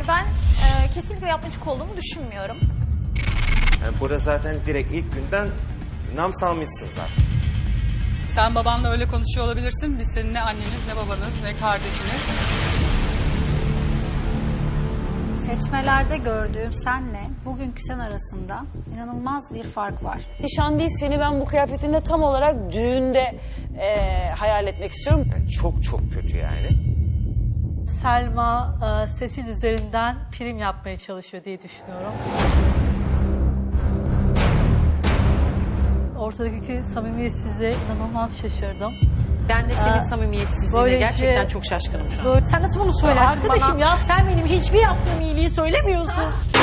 ben kesinlikle yapmacık olduğumu düşünmüyorum. Yani burada zaten direkt ilk günden nam salmışsın zaten. Sen babanla öyle konuşuyor olabilirsin. Biz senin ne anneniz, ne babanız, ne kardeşiniz. Seçmelerde gördüğüm senle bugünkü sen arasında inanılmaz bir fark var. Nişan değil, seni ben bu kıyafetinde tam olarak düğünde hayal etmek istiyorum. Yani çok çok kötü yani. Selma sesin üzerinden prim yapmaya çalışıyor diye düşünüyorum. Ortadaki samimiyetsizliğe inanılmaz şaşırdım. Ben de senin samimiyetsizliğine böylece- gerçekten çok şaşkınım şu an. Sen nasıl bunu söylersin Arkadaşım bana? ya sen benim hiçbir yaptığım iyiliği söylemiyorsun.